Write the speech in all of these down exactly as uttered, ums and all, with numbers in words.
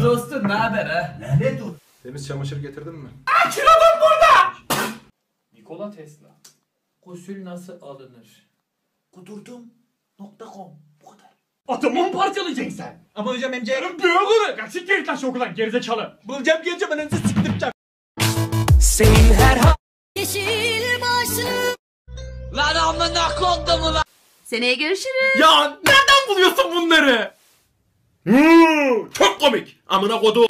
dostum, ne haber ha? Lanet ol. Temiz çamaşır getirdin mi? Aa, kilodum burada! Nikola Tesla. Gusül nasıl alınır? Kudurdum nokta com. Bu kadar. Atomu mu parçalayacaksın sen? Ama hocam M C... Büyük olur. Ya siktir git lan şu okuldan gerizekalı. Bulacağım geleceğim ananızı siktireceğim. Senin her ha... Yeşil başlı. Lan amına koydum lan. Seneye görüşürüz. Ya nereden buluyorsun bunları? Hmm, çok komik. Amına kodu.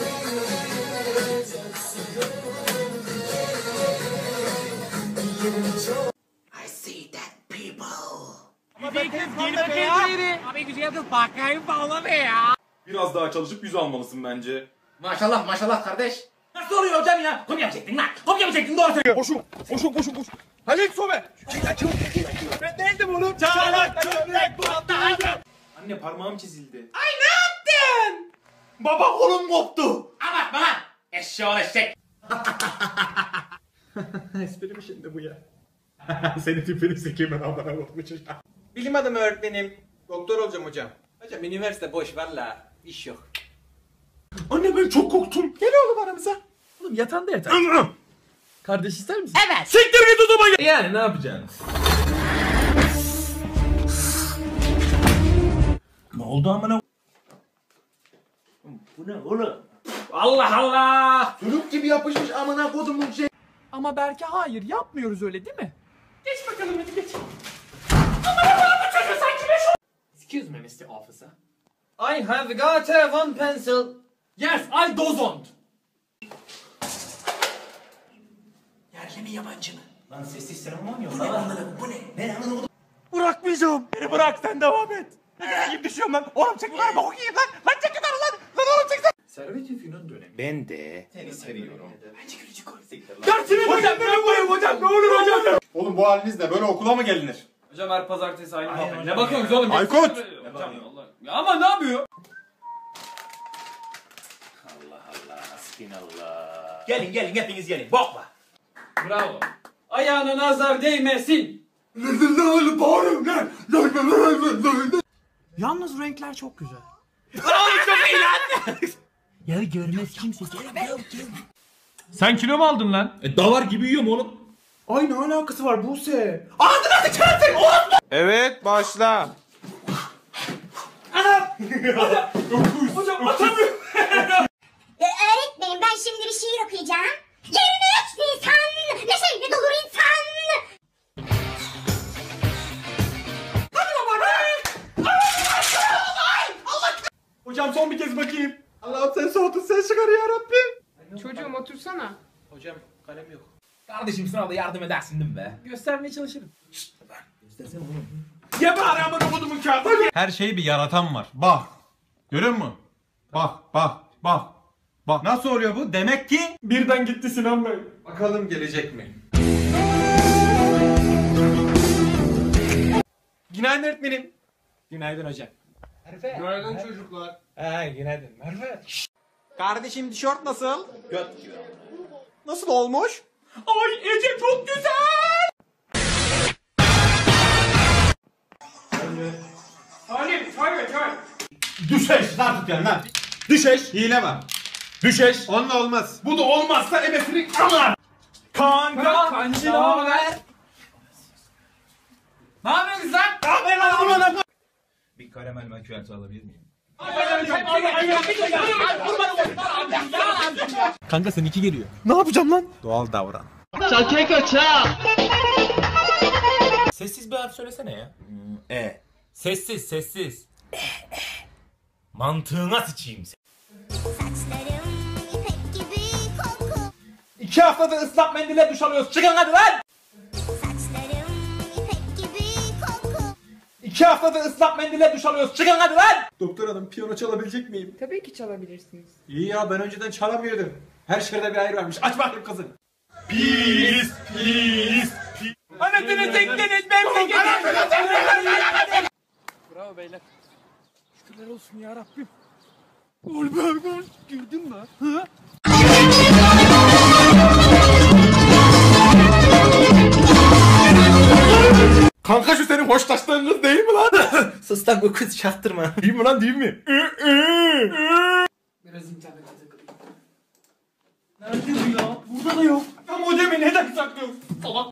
I see that people. Biraz daha çalışıp yüz almalısın bence. Maşallah maşallah kardeş. Nasıl oluyor hocam ya? Kopya mı çektin lan? Kopya mı çektin? Doğru söylüyor. Koşun, koşun, koşun, koşun. Halil Sobe. Ben değildim oğlum. Çağlak çömlek bulandı. Anne parmağım çizildi. Ay ne yaptın? Baba kolum koptu. Abartma lan. Eşşoğlu eşek. Espri mi şimdi bu ya? Senin tipini sikeyim ben amına koyayım. Bilim adamı öğretmenim. Doktor olacağım hocam. Hocam üniversite boş valla. İş yok. Anne ben çok korktum. Gel oğlum aramıza. Oğlum yatağında yatar. Kardeş ister misin? Evet. Siktir git odama gel. Yani ne yapacaksın? Ne oldu amına? Bu ne oğlum? Allah Allah. Sülük gibi yapışmış amına kodumun şey. Ama belki hayır yapmıyoruz öyle değil mi? Geç bakalım hadi geç. Aman Allah'ım bu çocuğu sanki beş o... Excuse me mister Officer. I have got a one pencil. Yes I don't. Yerli mi yabancı mı? Lan sessiz seremon yok. Bu ne amına bu ne? Ne amına? Bırakmayacağım. Beni bırak sen devam et. Ne gibi düşüyorum lan. Oğlum çek lan bok yiyeyim lan. Lan çek lan lan. Lan oğlum çek. Servet-i Fünun dönemi. Ben de seni seviyorum. Bence gülücü koy. Dersini hocam ben koyayım hocam ne olur hocam. Oğlum bu halinizle böyle okula mı gelinir? Hocam her pazartesi aynı muhabbet. Ne bakıyorsunuz oğlum? Aykut! Hocam Allah. Ya ama ne yapıyor? Allah Allah. Hasbinallah. Gelin gelin hepiniz gelin. Bokla. Bravo. Ayağına nazar değmesin. Yalnız renkler çok güzel. Ya görmez kimse. Sen kilo mu aldın lan? E davar gibi yiyorum oğlum. Ay ne alakası var Buse? Evet başla. Hocam atamıyorum. Ya öğretmenim ben şimdi bir şiir okuyacağım. yirmi üç Nisan neşeyle dolur insan. Hocam son bir kez bakayım. Allah'ım sen soğutun sen çıkar ya Rabbim. Çocuğum otursana. Hocam kalem yok. Kardeşim sınavda yardım edersin değil mi be? Göstermeye çalışırım. Ye bari amına kodumun kağıdı. Her şeyi bir yaratan var. Bak. Görüyor musun? Bak, bak, bak. Bak nasıl oluyor bu? Demek ki Birden gitti Sinan Bey. bakalım gelecek mi? Günaydın öğretmenim. Günaydın hocam. Günaydın çocuklar. He günaydın. Merve. Kardeşim tişört nasıl? Göt gibi. Nasıl olmuş? Ay Ece çok güzel. Salim çay çay. Düşeş lan tut yani lan. Düşeş. Hile var. Düşeş. Onunla olmaz. Bu da olmazsa ebesini ama. Kanka kancı ne haber? Ne yapıyorsun lan? Ne haber lan amına? Bir karamel makyajı alabilir miyim? Kanka seninki geliyor. Ne yapacağım lan? Doğal davran. Sessiz bir harf söylesene ya. E. Sessiz sessiz. E e. Mantığına sıçayım sen. Saçlarım ipek gibi koku. İki haftadır ıslak mendille duş alıyoruz. Çıkın hadi lan. Saçlarım ipek gibi koku. İki haftadır ıslak mendille duş alıyoruz. Çıkın hadi lan. Doktor hanım piyano çalabilecek miyim? Tabii ki çalabilirsiniz. İyi ya ben önceden çalamıyordum. Her şerde bir ayır varmış. Aç bakayım kızın. Pis, pis. Anasını tekleniz memleketi. Bravo beyler. Şükürler olsun ya Rabbim. Gol be gol. Girdin mi? Hı? Kanka şu senin hoşlaştığın kız değil mi lan? Sus lan bu kız çaktırma. Değil mi lan değil mi? Biraz Nerede bu ya? Burada da yok. Ya modemi neden saklıyorsun? Salak.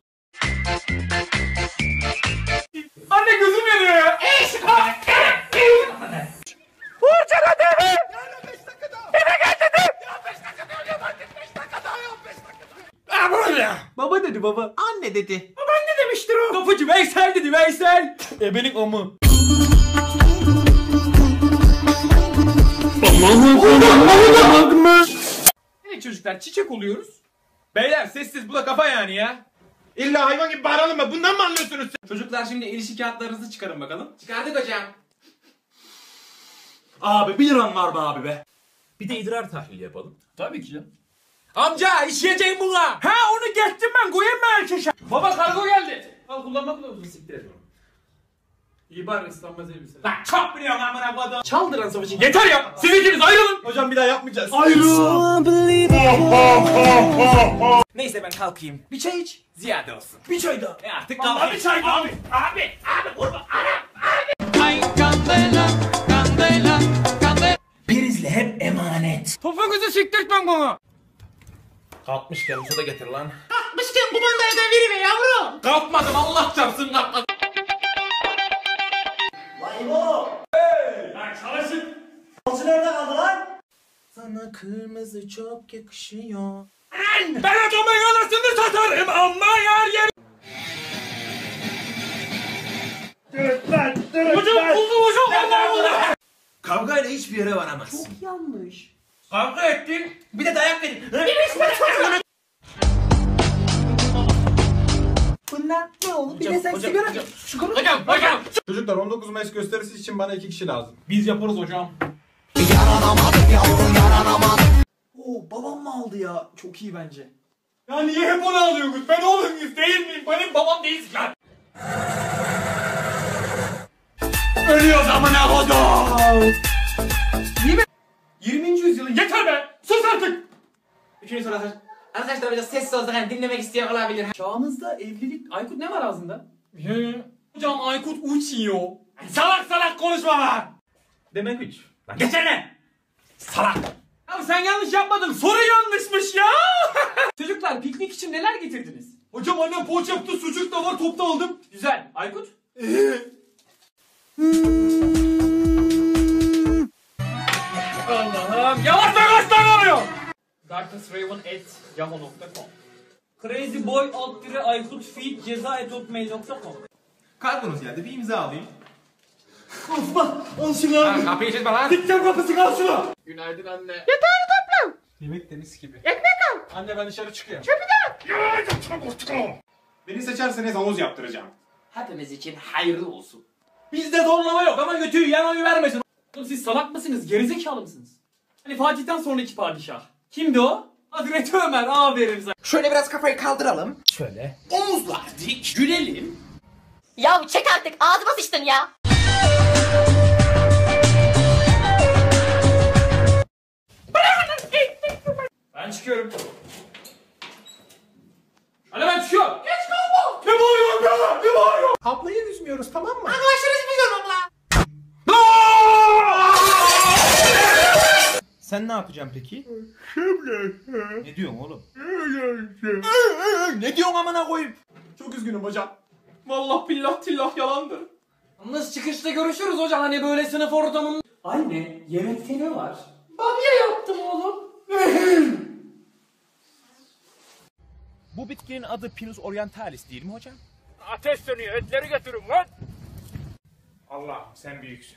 Anne gözüm yanıyor ya. Vurcana deve! Yani beş dakika daha! Eve gel dedim! Ya beş dakika daha ya bak beş dakika daha ya beş dakika daha! Ha böyle! Baba dedi baba. Anne dedi. Ben ne demiştir o? Kapıcı Veysel dedi Veysel. Ebenin amı. Evet çocuklar çiçek oluyoruz. Beyler sessiz bu da kafa yani ya. İlla hayvan gibi bağıralım mı? Bundan mı anlıyorsunuz siz? Çocuklar şimdi ilişki kağıtlarınızı çıkarın bakalım. Çıkardık hocam. Abi bir liran var be abi be. Bir de idrar tahlili yapalım. Tabii ki canım. Amca işleyeceğim buna. Ha onu geçtim ben koyayım mı erkeşe? Baba kargo geldi. Al kullanma kılavuzunu siktir et. İyi bari ıslanmaz elbise. Lan çok biliyorsun amına kodum. Çaldıran savaşı. Yeter ya. Siz ikiniz ayrılın. Hocam bir daha yapmayacağız. Neyse ben kalkayım. Bir çay iç. Ziyade olsun. Bir çay daha. E artık Vallahi kalkayım. bir çay daha. Abi abi abi vurma. Prizle hep emanet. Topuğunuzu siktirtmem bana. Kalkmışken su da getir lan. Kalkmışken bu bandayadan verime yavrum. Kalkmadım Allah çarpsın kalkmadım. Vay bu! Lan çalışın. Alçı nerede kaldı lan? Sana kırmızı çok yakışıyor. Ben adamın anasını satarım ama yer yer. Hocam buldu hocam Allah Allah. Kavgayla hiçbir yere varamaz. Kavga ettin. Bir de dayak verin. Bunlar ne oldu? Bir de sen sigara... Hocam hocam. Çocuklar on dokuz Mayıs gösterisi için bana iki kişi lazım. Biz yaparız hocam. Oo babam mı aldı ya? Çok iyi bence. Ya niye hep onu alıyorsunuz? Ben oğlunuz değil miyim? Benim babam değilsin lan. Ölüyoruz amına kodum. yirminci yüzyılın Yeter be. Sus artık. Üçüncü soru arkadaşlar. Arkadaşlar biraz sessiz olsak hani dinlemek isteyen olabilir. Çağımızda evlilik... Aykut ne var ağzında? Hocam Aykut uçuyor. Salak salak konuşma lan. Demek üç. Lan geçene. Salak. Ya sen yanlış yapmadın. Soru yanlışmış ya. Çocuklar piknik için neler getirdiniz? Hocam annem poğaça yaptı. Sucuk da var. Topta aldım. Güzel. Aykut? Allah'ım. Yavaş yavaş lan oluyor. darknessraven at yahoo nokta com Crazyboy alt dire Aykut feed ceza et hotmail nokta com. Kargonuz geldi bir imza alayım. Al şunu abi. Kapıyı çekme lan. Dikkat kapısı al şunu. Günaydın anne. Yemek de mis gibi. Anne ben dışarı çıkıyorum. Beni seçerseniz havuz yaptıracağım. Hepimiz için hayırlı olsun. Bizde zorlama yok ama götüyü yan oyu vermesin. Oğlum siz salak mısınız? Gerizekalı mısınız? Hani Fatih'ten sonraki padişah. Kimdi o? Hazreti Ömer. Aferin sana. Şöyle biraz kafayı kaldıralım. Omuzlar dik. Gülelim. Ya çek artık ağzıma sıçtın ya. Ben çıkıyorum. Hadi ben çıkıyorum. Geç kalma. Ne bağırıyorsun ya? Ne bağırıyorsun? Ablayı üzmüyoruz tamam mı? Sen ne yapacaksın peki? Ne diyorsun oğlum? Ne diyorsun amına koyayım? Çok üzgünüm hocam. Vallahi billah tillah yalandır. Yalnız çıkışta görüşürüz hocam. Hani böyle sınıf ortamında. Anne yemekte ne var? Bamya yaptım oğlum. Bu bitkinin adı Pinus orientalis değil mi hocam? Ateş sönüyor. Etleri götürün lan. Allah sen büyüksün.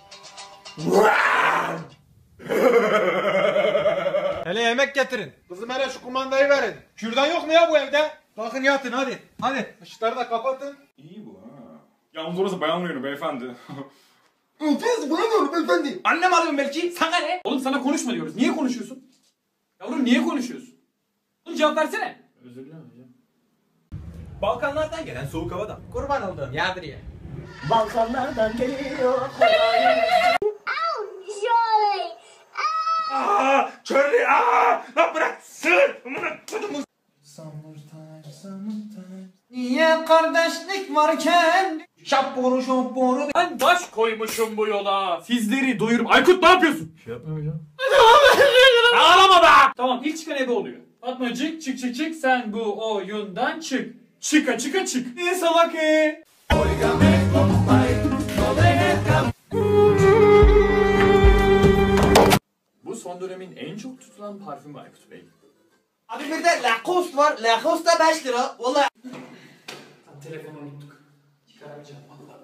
Hele yemek getirin. Kızım hele şu kumandayı verin. Kürdan yok mu ya bu evde? Bakın yatın hadi. Hadi ışıkları da kapatın. İyi bu ha. Yalnız orası bayan oyunu beyefendi. Annem arıyorum belki. Sana ne? Oğlum sana konuşma diyoruz. Niye konuşuyorsun? Yavrum niye konuşuyorsun? Oğlum cevap versene. Özür dilerim hocam. Balkanlardan gelen soğuk havadan. Kurban olduğum yağdır ya. Balkanlardan geliyor. Joy. Aaa! Charlie! Aaa! Lan bırak! Sığır! Amına kodumu! Niye kardeşlik varken? Şapboru şapboru. Ben baş koymuşum bu yola. Sizleri doyurup... Aykut ne yapıyorsun? Ağlama be! Tamam ilk çıkan ebe oluyor. Fatmacık çık çık çık sen bu oyundan çık. Çıka çıka çık. Ne salak e? Bu son dönemin en çok tutulan parfümü Aykut Bey. Abi bir de Lacoste var. Lacoste da beş lira. Vallahi. Telefonu unuttuk. Çıkaramayacağım valla.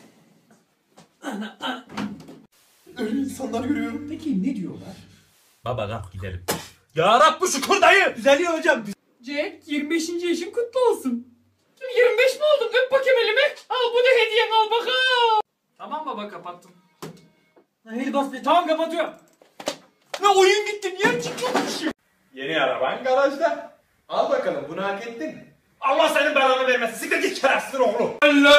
Öyle insanlar görüyorum. Peki ne diyorlar? Baba kalk gidelim. Ya Rabbi şükür dayı. Düzeliyor hocam. Jack yirmi beşinci yaşın kutlu olsun. yirmi beş mi oldun? Öp bakayım elimi. Al bu da hediyen al bakalım. Tamam baba kapattım. Hadi bas be. Tamam kapatıyorum. Ne oyun gitti niye çıkıyormuşum? Yeni araban garajda. Al bakalım bunu hak ettin mi? Allah senin belanı vermesin. Siktir git şerefsiz oğlu.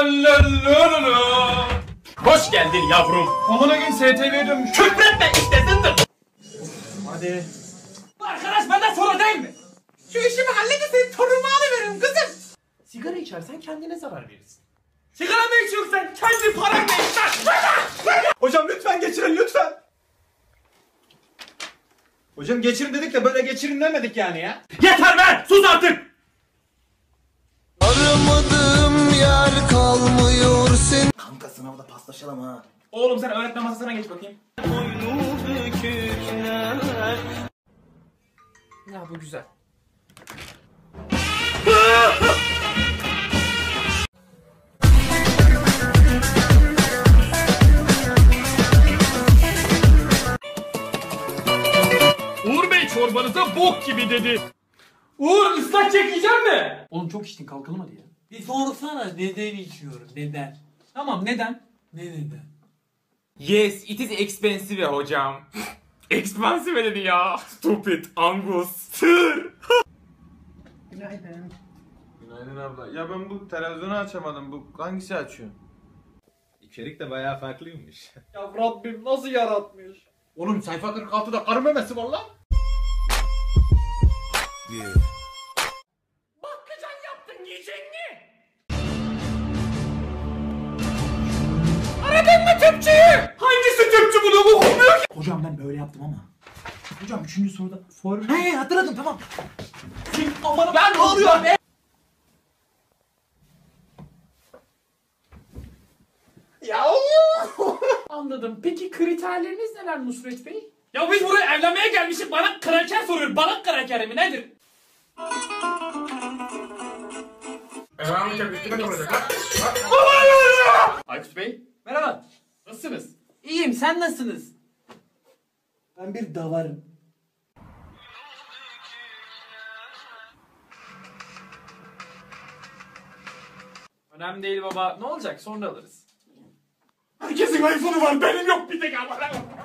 Hoş geldin yavrum. Amına gün S T V'ye dönmüş. Küfretme istesindir. Hadi. Bu arkadaş benden sonra değil mi? Şu işimi halledin senin torunumu alıveririm kızım. Sigara içersen kendine zarar verirsin. Sigara mı içiyorsun sen? Kendi paranla iç lan. Hocam lütfen geçirin lütfen. Hocam geçirin dedik de böyle geçirin demedik yani ya. Yeter be! Sus artık! Aramadığım yer kalmıyor sen. Kanka sınavda paslaşalım ha. Oğlum sen öğretmen masasına geç bakayım. Ya bu güzel. Uğur Bey çorbanıza bok gibi dedi. Uğur ıslak çekeceğim mi? Oğlum çok içtin kalkalım hadi ya. Bir sorsana neden içiyorum? Neden? Tamam neden? Ne neden? Yes, it is expensive hocam. Expensive dedi ya. Stupid Angus. Sır. Günaydın. Günaydın abla. Ya ben bu televizyonu açamadım. Bu hangisi açıyor? İçerik de bayağı farklıymış. Ya Rabbim nasıl yaratmış? Oğlum sayfa kırk altıda karı memesi var lan. Bakkacan yaptın yiyecek mi? Aradın mı tüpçüyü? Hangisi tüpçü bunu okumuyor ki? Hocam ben böyle yaptım ama. Hocam üçüncü soruda form... He hatırladım tamam. Aman ben ne oluyor be? Ya Anladım. Peki kriterleriniz neler Nusret Bey? Ya biz buraya evlenmeye gelmişiz. Bana kraker soruyor. Bana kraker mi nedir? Aykut Bey. Merhaba. Nasılsınız? İyiyim sen nasılsınız? Ben bir davarım. Önemli değil baba. Ne olacak? Sonra alırız. herkesin iPhone'u var benim yok bir tek ama.